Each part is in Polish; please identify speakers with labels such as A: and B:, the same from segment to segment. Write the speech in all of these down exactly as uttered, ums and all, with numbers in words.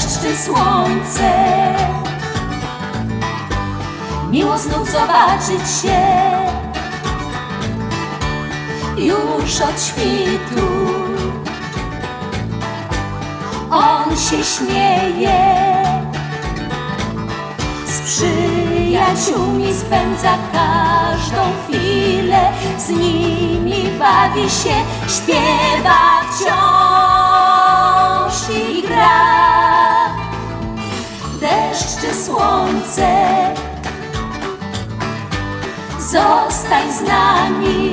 A: deszcz czy słońce. Miło znów zobaczyć się już od świtu. On się śmieje, z przyjaciółmi spędza każdą chwilę, z nimi bawi się, śpiewa wciąż i gra. Deszcz czy słońce, zostań z nami.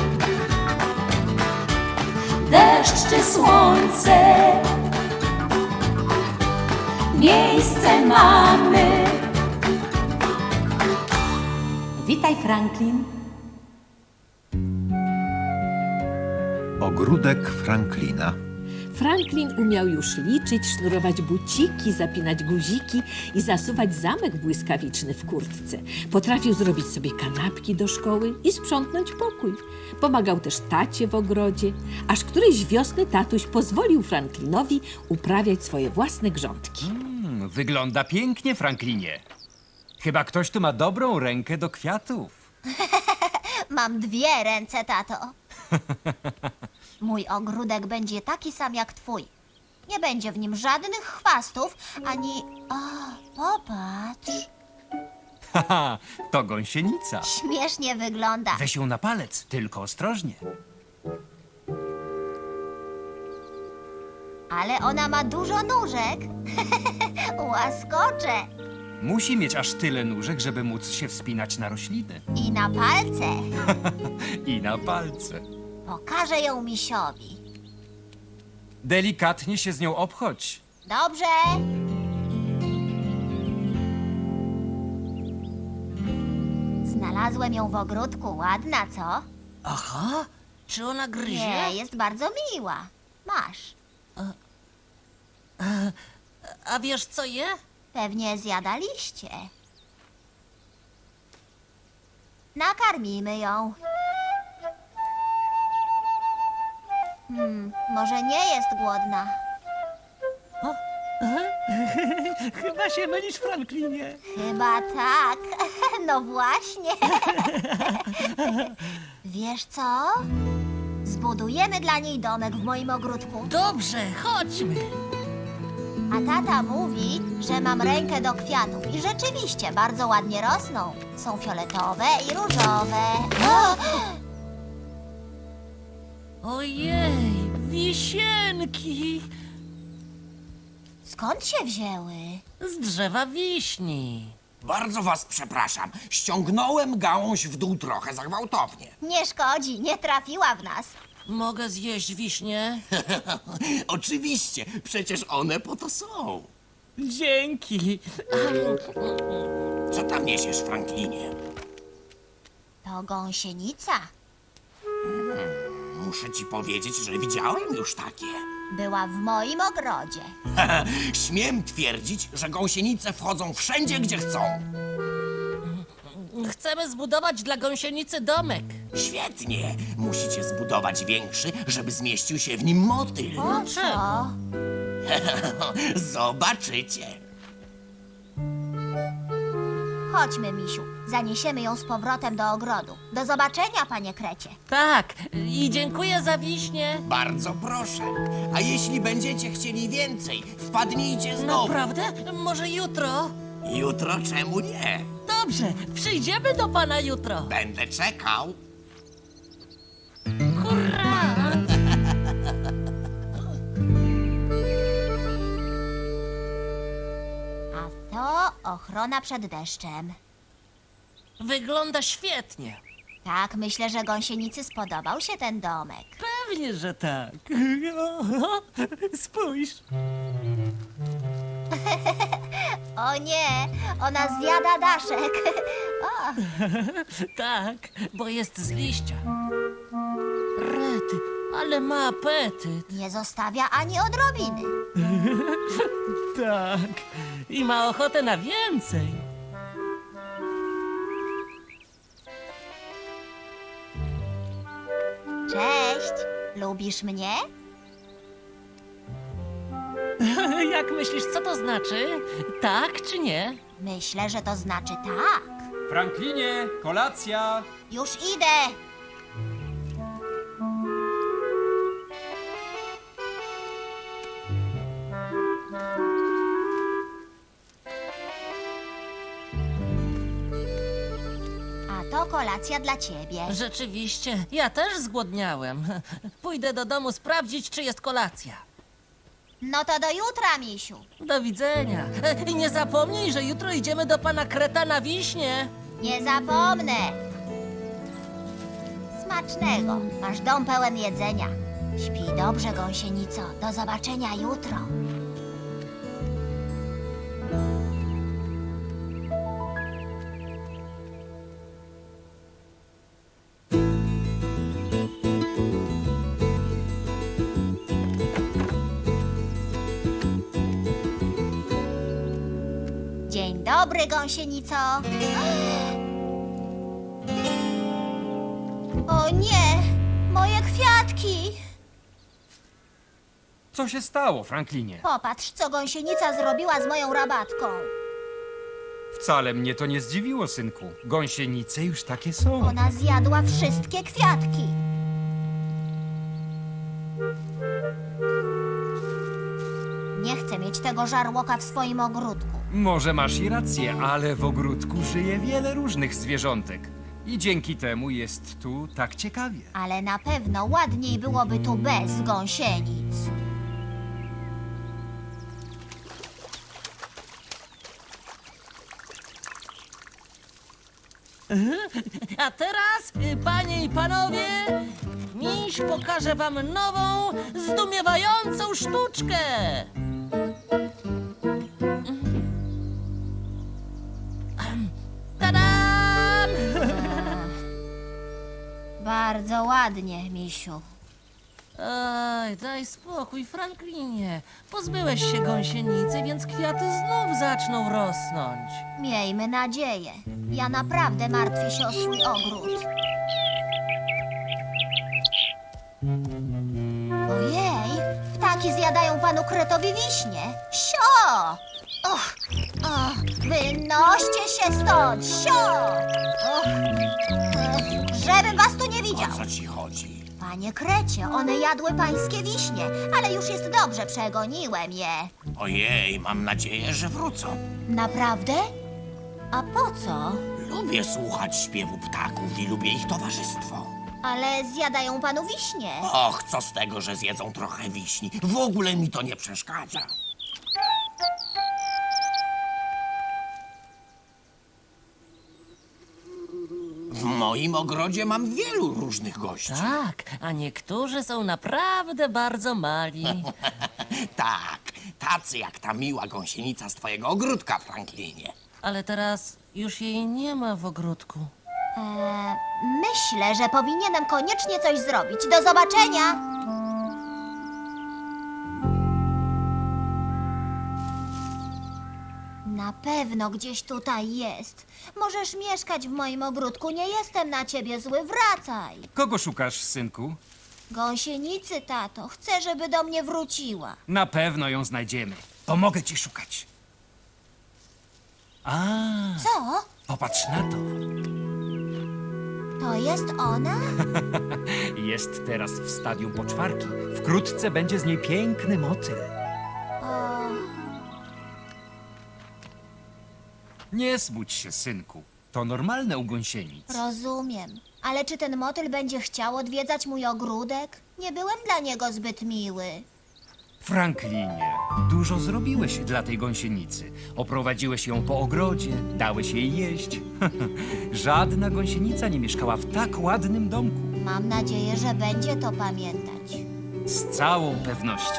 A: Deszcz czy słońce, miejsce mamy. Witaj, Franklin.
B: Ogródek Franklina.
C: Franklin umiał już liczyć, sznurować buciki, zapinać guziki i zasuwać zamek błyskawiczny w kurtce. Potrafił zrobić sobie kanapki do szkoły i sprzątnąć pokój. Pomagał też tacie w ogrodzie, aż którejś wiosny tatuś pozwolił Franklinowi uprawiać swoje własne grządki.
D: Mm, wygląda pięknie, Franklinie. Chyba ktoś tu ma dobrą rękę do kwiatów.
E: Mam dwie ręce, tato. Mój ogródek będzie taki sam jak twój. Nie będzie w nim żadnych chwastów, ani... O, popatrz.
D: Haha, to gąsienica.
E: Śmiesznie wygląda.
D: Weź ją na palec, tylko ostrożnie.
E: Ale ona ma dużo nóżek. Łaskocze.
D: Musi mieć aż tyle nóżek, żeby móc się wspinać na rośliny.
E: I na palce.
D: I na palce.
E: Pokażę ją misiowi.
D: Delikatnie się z nią obchodź.
E: Dobrze. Znalazłem ją w ogródku. Ładna, co?
F: Aha, czy ona gryzie?
E: Nie, jest bardzo miła. Masz.
F: A wiesz co je?
E: Pewnie zjadaliście. Nakarmimy ją. Hmm, może nie jest głodna.
F: Chyba się mylisz, Franklinie.
E: Chyba tak. No właśnie. Wiesz co? Zbudujemy dla niej domek w moim ogródku.
F: Dobrze, chodźmy.
E: A tata mówi, że mam rękę do kwiatów. I rzeczywiście bardzo ładnie rosną. Są fioletowe i różowe. O!
F: Ojej, wisienki.
E: Skąd się wzięły?
F: Z drzewa wiśni.
G: Bardzo was przepraszam. Ściągnąłem gałąź w dół trochę za gwałtownie.
E: Nie szkodzi, nie trafiła w nas.
F: Mogę zjeść wiśnie?
G: Oczywiście, przecież one po to są.
F: Dzięki.
G: Co tam niesiesz, Franklinie?
E: To gąsienica.
G: Muszę ci powiedzieć, że widziałem już takie.
E: Była w moim ogrodzie.
G: Śmiem twierdzić, że gąsienice wchodzą wszędzie, gdzie chcą.
F: Chcemy zbudować dla gąsienicy domek.
G: Świetnie. Musicie zbudować większy, żeby zmieścił się w nim motyl.
E: Po co?
G: Zobaczycie.
E: Chodźmy, misiu. Zaniesiemy ją z powrotem do ogrodu. Do zobaczenia, panie Krecie.
F: Tak, i dziękuję za wiśnie.
G: Bardzo proszę. A jeśli będziecie chcieli więcej, wpadnijcie znowu.
F: Naprawdę? Może jutro?
G: Jutro czemu nie?
F: Dobrze, przyjdziemy do pana jutro.
G: Będę czekał.
F: Hurra!
E: A to ochrona przed deszczem.
F: Wygląda świetnie.
E: Tak, myślę, że gąsienicy spodobał się ten domek.
F: Pewnie, że tak. Spójrz.
E: O nie, ona zjada daszek. O,
F: Tak, bo jest z liścia. Rety, ale ma apetyt.
E: nie zostawia ani odrobiny.
F: Tak, i ma ochotę na więcej.
E: Cześć, lubisz mnie?
F: Jak myślisz, co to znaczy? Tak czy nie?
E: Myślę, że to znaczy tak.
D: Franklinie, kolacja!
E: Już idę. A to kolacja dla ciebie.
F: Rzeczywiście, ja też zgłodniałem. Pójdę do domu sprawdzić, czy jest kolacja.
E: No to do jutra, misiu.
F: Do widzenia. E, I nie zapomnij, że jutro idziemy do pana Kreta na Wiśnie.
E: Nie zapomnę. Smacznego. Masz dom pełen jedzenia. Śpij dobrze, gąsienico. Do zobaczenia jutro. Dzień dobry, gąsienico. O nie, moje kwiatki.
D: Co się stało, Franklinie?
E: Popatrz, co gąsienica zrobiła z moją rabatką.
D: Wcale mnie to nie zdziwiło, synku. Gąsienice już takie są.
E: Ona zjadła wszystkie kwiatki. Nie chcę mieć tego żarłoka w swoim ogródku.
D: Może masz i rację, ale w ogródku żyje wiele różnych zwierzątek. I dzięki temu jest tu tak ciekawie.
E: Ale na pewno ładniej byłoby tu bez gąsienic.
F: A teraz, y, panie i panowie, miś pokaże wam nową, zdumiewającą sztuczkę. Tadam!
E: Bardzo ładnie, misiu.
F: Oj, daj spokój, Franklinie. Pozbyłeś się gąsienicy, więc kwiaty znów zaczną rosnąć.
E: Miejmy nadzieję. Ja naprawdę martwię się o swój ogród. Ojej, ptaki zjadają panu Kretowi wiśnie. Sio! Och, och, wynoście się stąd, sio! Och, eh, żebym was tu nie widział.
G: O co ci chodzi?
E: Panie Krecie, one jadły pańskie wiśnie, ale już jest dobrze, przegoniłem je.
G: Ojej, mam nadzieję, że wrócą.
E: Naprawdę? A po co?
G: Lubię słuchać śpiewu ptaków i lubię ich towarzystwo.
E: Ale zjadają panu wiśnie.
G: Och, co z tego, że zjedzą trochę wiśni? W ogóle mi to nie przeszkadza. W moim ogrodzie mam wielu różnych gości.
F: Tak, a niektórzy są naprawdę bardzo mali.
G: Tak, tacy jak ta miła gąsienica z twojego ogródka, Franklinie.
F: Ale teraz już jej nie ma w ogródku.
E: Eee, myślę, że powinienem koniecznie coś zrobić. Do zobaczenia! Na pewno gdzieś tutaj jest. Możesz mieszkać w moim ogródku. Nie jestem na ciebie zły. Wracaj.
D: Kogo szukasz, synku?
E: Gąsienicy, tato. Chcę, żeby do mnie wróciła.
D: Na pewno ją znajdziemy. Pomogę ci szukać. A,
E: Co?
D: popatrz na to.
E: To jest ona?
D: Jest teraz w stadium poczwarki. Wkrótce będzie z niej piękny motyl.
E: O,
D: Nie smuć się, synku. To normalne u gąsienic.
E: rozumiem. Ale czy ten motyl będzie chciał odwiedzać mój ogródek? Nie byłem dla niego zbyt miły.
D: Franklinie, dużo zrobiłeś dla tej gąsienicy. Oprowadziłeś ją po ogrodzie, dałeś jej jeść. Żadna gąsienica nie mieszkała w tak ładnym domku.
E: Mam nadzieję, że będzie to pamiętać.
D: Z całą pewnością.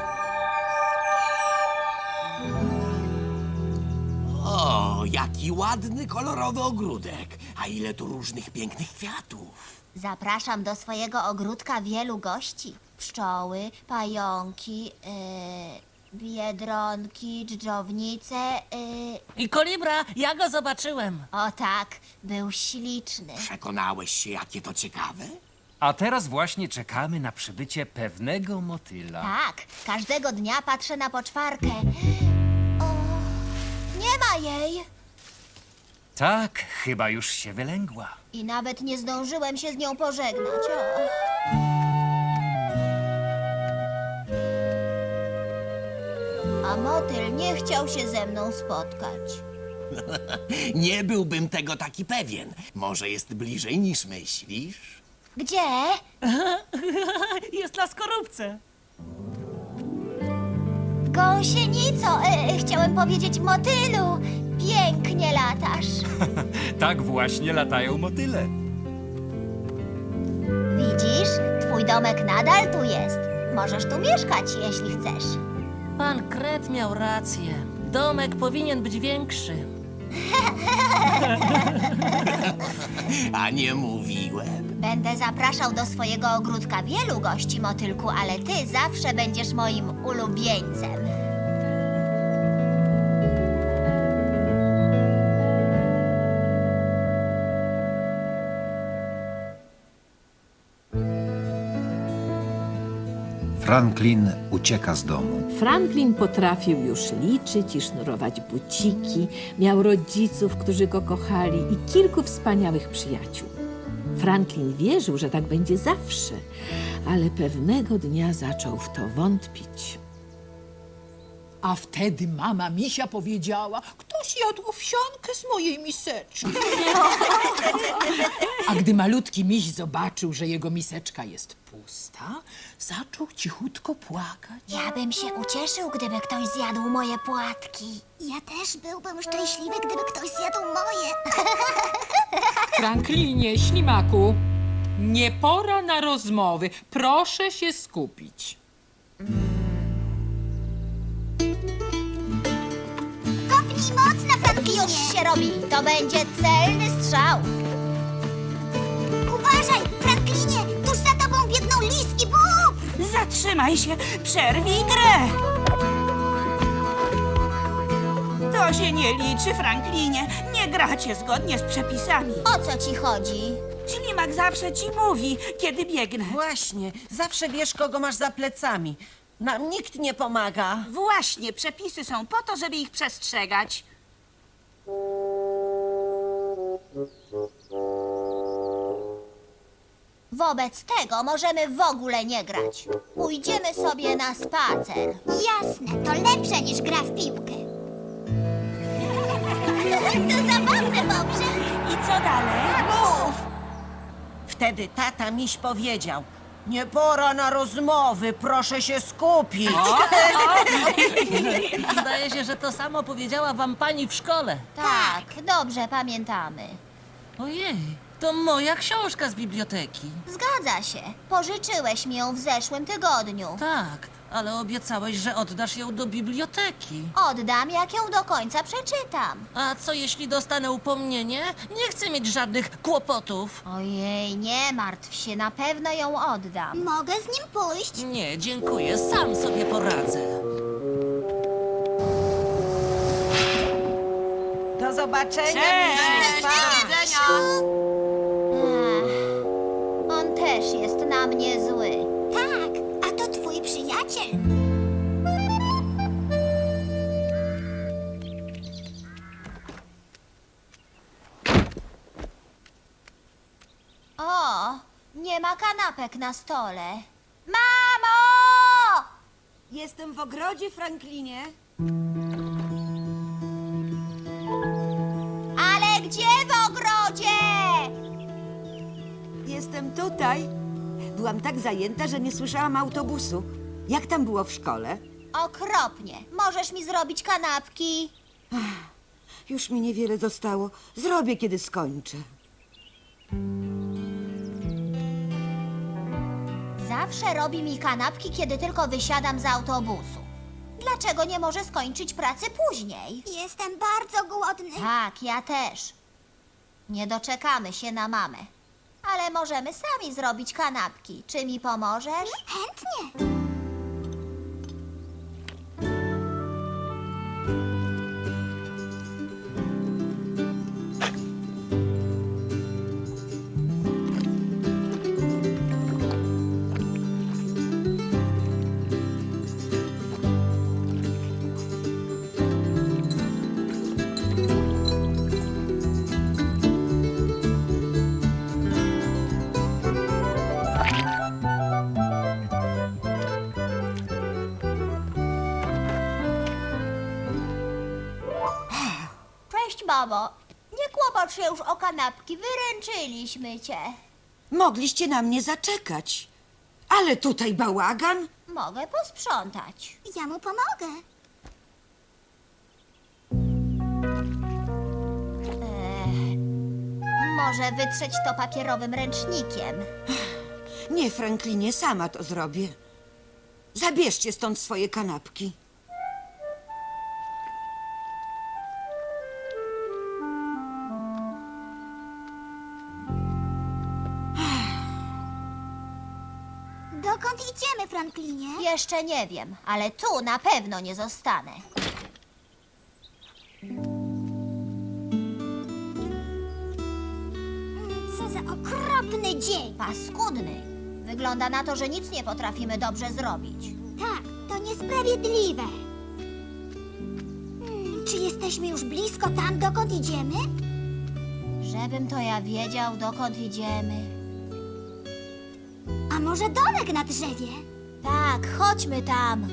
G: O, jaki ładny, kolorowy ogródek. A ile tu różnych pięknych kwiatów.
E: Zapraszam do swojego ogródka wielu gości. Pszczoły, pająki, yy, biedronki, dżdżownice. Yy.
F: I kolibra, ja go zobaczyłem.
E: O tak, był śliczny.
G: Przekonałeś się, jakie to ciekawe?
D: A teraz właśnie czekamy na przybycie pewnego motyla.
E: Tak, każdego dnia patrzę na poczwarkę. O, nie ma jej.
D: Tak, chyba już się wylęgła.
E: I nawet nie zdążyłem się z nią pożegnać. O. A motyl nie chciał się ze mną spotkać.
G: Nie byłbym tego taki pewien. Może jest bliżej niż myślisz?
E: Gdzie?
F: Jest na skorupce.
E: Gąsienico, e, chciałem powiedzieć motylu. Pięknie latasz.
D: Tak właśnie latają motyle.
E: Widzisz, twój domek nadal tu jest. Możesz tu mieszkać, jeśli chcesz.
F: Pan Kret miał rację. Domek powinien być większy.
G: A nie mówiłem.
E: Będę zapraszał do swojego ogródka wielu gości, motylku, ale ty zawsze będziesz moim ulubieńcem.
B: Franklin ucieka z domu.
C: Franklin potrafił już liczyć i sznurować buciki, miał rodziców, którzy go kochali i kilku wspaniałych przyjaciół. Franklin wierzył, że tak będzie zawsze, ale pewnego dnia zaczął w to wątpić.
H: A wtedy mama misia powiedziała, ktoś jadł owsiankę z mojej miseczki. A gdy malutki miś zobaczył, że jego miseczka jest pusta, zaczął cichutko płakać.
E: Ja bym się ucieszył, gdyby ktoś zjadł moje płatki. Ja też byłbym szczęśliwy, gdyby ktoś zjadł moje.
H: Franklinie, ślimaku, nie pora na rozmowy. Proszę się skupić.
E: Kopnij mocno, Franklinie. Już się robi. To będzie celny strzał. Uważaj, Franklinie, tuż za tobą biegną lis i bób.
I: Zatrzymaj się! Przerwij grę! To się nie liczy, Franklinie. Nie gracie zgodnie z przepisami.
E: O co ci chodzi?
I: Ślimak zawsze ci mówi, kiedy biegnę.
J: Właśnie, zawsze wiesz, kogo masz za plecami. Nam nikt nie pomaga.
I: Właśnie, przepisy są po to, żeby ich przestrzegać.
E: Wobec tego możemy w ogóle nie grać. Pójdziemy sobie na spacer. Jasne, to lepsze niż gra w piłkę. To zabawne, Bobrze.
I: I co dalej?
J: Mów! Wtedy tata miś powiedział: nie pora na rozmowy, proszę się skupić.
F: Zdaje się, że to samo powiedziała wam pani w szkole.
E: Tak, dobrze pamiętamy.
F: Ojej, to moja książka z biblioteki.
E: Zgadza się. Pożyczyłeś mi ją w zeszłym tygodniu.
F: Tak, ale obiecałeś, że oddasz ją do biblioteki.
E: Oddam, jak ją do końca przeczytam.
F: A co jeśli dostanę upomnienie? Nie chcę mieć żadnych kłopotów.
E: Ojej, nie martw się, na pewno ją oddam. Mogę z nim pójść?
F: Nie, dziękuję, sam sobie poradzę.
J: Do zobaczenia.
I: Cześć!
J: Pa.
E: Ech, on też jest na mnie zły. Tak, a to twój przyjaciel. O, nie ma kanapek na stole. Mamo!
J: Jestem w ogrodzie, Franklinie.
E: Ale gdzie w ogrodzie?
K: Jestem tutaj. Byłam tak zajęta, że nie słyszałam autobusu. Jak tam było w szkole?
E: Okropnie. Możesz mi zrobić kanapki?
K: Już mi niewiele zostało. Zrobię, kiedy skończę.
E: Zawsze robi mi kanapki, kiedy tylko wysiadam z autobusu. Dlaczego nie może skończyć pracy później? Jestem bardzo głodny. Tak, ja też. Nie doczekamy się na mamę. Ale możemy sami zrobić kanapki. Czy mi pomożesz? Chętnie. mamo. Nie kłopocz się już o kanapki, wyręczyliśmy cię.
K: Mogliście na mnie zaczekać. Ale tutaj bałagan.
E: Mogę posprzątać. Ja mu pomogę. Eee, może wytrzeć to papierowym ręcznikiem.
K: Nie, Franklinie, sama to zrobię. Zabierzcie stąd swoje kanapki.
E: Dokąd idziemy, Franklinie? Jeszcze nie wiem, ale tu na pewno nie zostanę. Co za okropny dzień! Paskudny. Wygląda na to, że nic nie potrafimy dobrze zrobić. Tak, to niesprawiedliwe. Hmm, czy jesteśmy już blisko tam, dokąd idziemy? Żebym to ja wiedział, dokąd idziemy. A może domek na drzewie? Tak, chodźmy tam.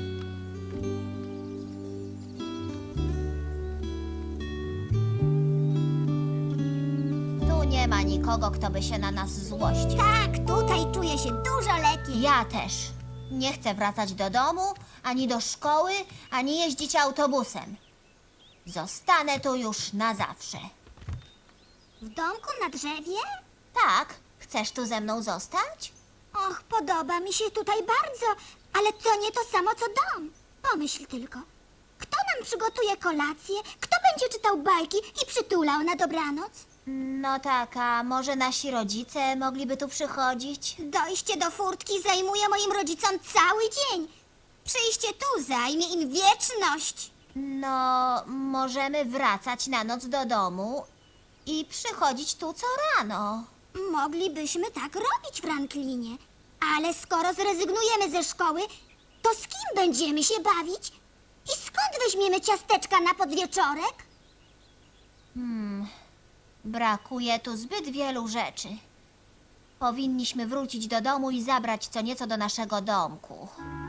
E: Tu nie ma nikogo, kto by się na nas złościł. Tak, tutaj czuję się dużo lepiej. Ja też. Nie chcę wracać do domu, ani do szkoły, ani jeździć autobusem. Zostanę tu już na zawsze. W domku na drzewie? Tak. Chcesz tu ze mną zostać? Och, podoba mi się tutaj bardzo, ale to nie to samo co dom. Pomyśl tylko. Kto nam przygotuje kolację? Kto będzie czytał bajki i przytulał na dobranoc? No tak, a może nasi rodzice mogliby tu przychodzić? Dojście do furtki zajmuje moim rodzicom cały dzień. Przyjście tu zajmie im wieczność. No, możemy wracać na noc do domu i przychodzić tu co rano. Moglibyśmy tak robić, Franklinie. Ale skoro zrezygnujemy ze szkoły, to z kim będziemy się bawić? I skąd weźmiemy ciasteczka na podwieczorek? Hmm, brakuje tu zbyt wielu rzeczy. Powinniśmy wrócić do domu i zabrać co nieco do naszego domku.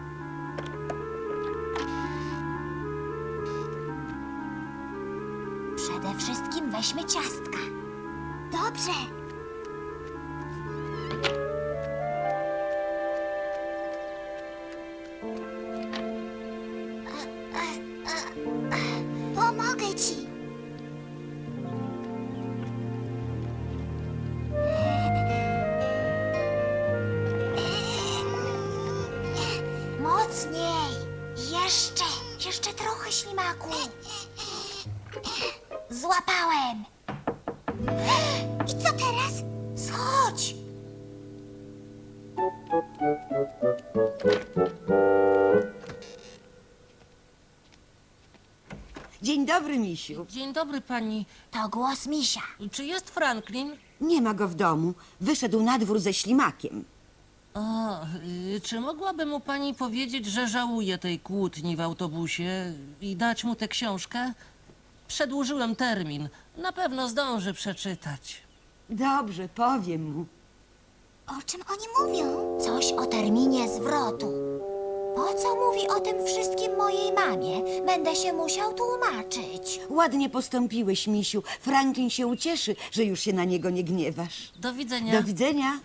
E: Przede wszystkim weźmy ciastka. Dobrze. Pomogę ci. Mocniej. Jeszcze. Jeszcze trochę, ślimaku. Złapałem. I co teraz? Schodź.
K: Dzień dobry, misiu.
F: Dzień dobry, pani.
E: To głos misia.
F: Czy jest Franklin?
K: Nie ma go w domu. Wyszedł na dwór ze ślimakiem.
F: O, y, czy mogłaby mu pani powiedzieć, że żałuje tej kłótni w autobusie i dać mu tę książkę? Przedłużyłem termin. Na pewno zdąży przeczytać.
K: Dobrze, powiem mu.
E: O czym oni mówią? Coś o terminie zwrotu. Po co mówi o tym wszystkim mojej mamie? Będę się musiał tłumaczyć.
K: Ładnie postąpiłeś, misiu. Franklin się ucieszy, że już się na niego nie gniewasz.
F: Do widzenia.
K: Do widzenia.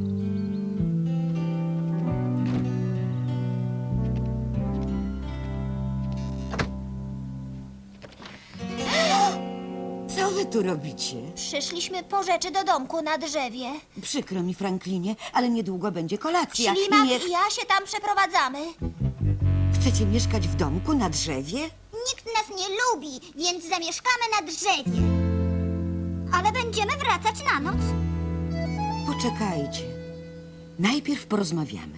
K: Co wy tu robicie?
E: Przyszliśmy po rzeczy do domku na drzewie.
K: Przykro mi, Franklinie, ale niedługo będzie kolacja.
E: Ślimak
K: Niech...
E: i ja się tam przeprowadzamy.
K: Chcecie mieszkać w domku na drzewie?
E: Nikt nas nie lubi, więc zamieszkamy na drzewie. Ale będziemy wracać na noc.
K: Poczekajcie. Najpierw porozmawiamy.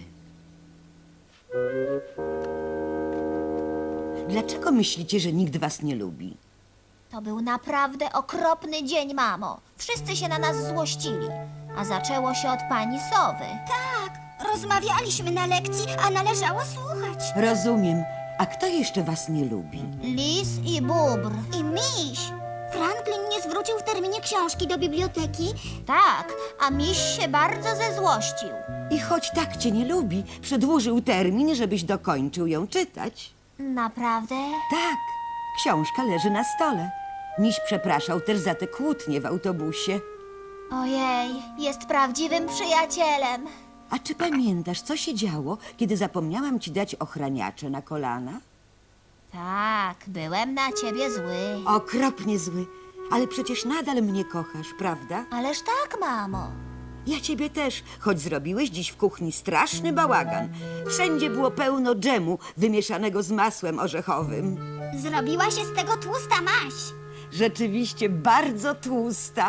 K: Dlaczego myślicie, że nikt was nie lubi?
E: To był naprawdę okropny dzień, mamo. Wszyscy się na nas złościli. A zaczęło się od pani Sowy. Tak, rozmawialiśmy na lekcji, a należało słuchać.
K: Rozumiem. A kto jeszcze was nie lubi?
E: Lis i bóbr. I miś. Franklin nie zwrócił w terminie książki do biblioteki? Tak, a miś się bardzo zezłościł.
K: I choć tak cię nie lubi, przedłużył termin, żebyś dokończył ją czytać.
E: Naprawdę?
K: Tak, książka leży na stole. Miś przepraszał też za te kłótnie w autobusie.
E: Ojej, jest prawdziwym przyjacielem.
K: A czy pamiętasz, co się działo, kiedy zapomniałam ci dać ochraniacze na kolana?
E: Tak, byłem na ciebie zły.
K: Okropnie zły. Ale przecież nadal mnie kochasz, prawda?
E: Ależ tak, mamo.
K: Ja ciebie też, choć zrobiłeś dziś w kuchni straszny bałagan. Wszędzie było pełno dżemu wymieszanego z masłem orzechowym.
E: Zrobiła się z tego tłusta maś.
K: Rzeczywiście bardzo tłusta.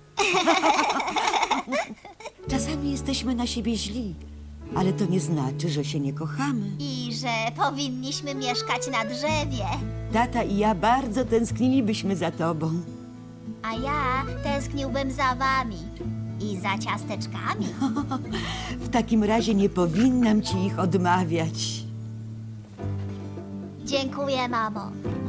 K: Czasami jesteśmy na siebie źli, ale to nie znaczy, że się nie kochamy.
E: I że powinniśmy mieszkać na drzewie.
K: Tata i ja bardzo tęsknilibyśmy za tobą.
E: A ja tęskniłbym za wami. I za ciasteczkami.
K: W takim razie nie powinnam ci ich odmawiać.
E: Dziękuję, mamo.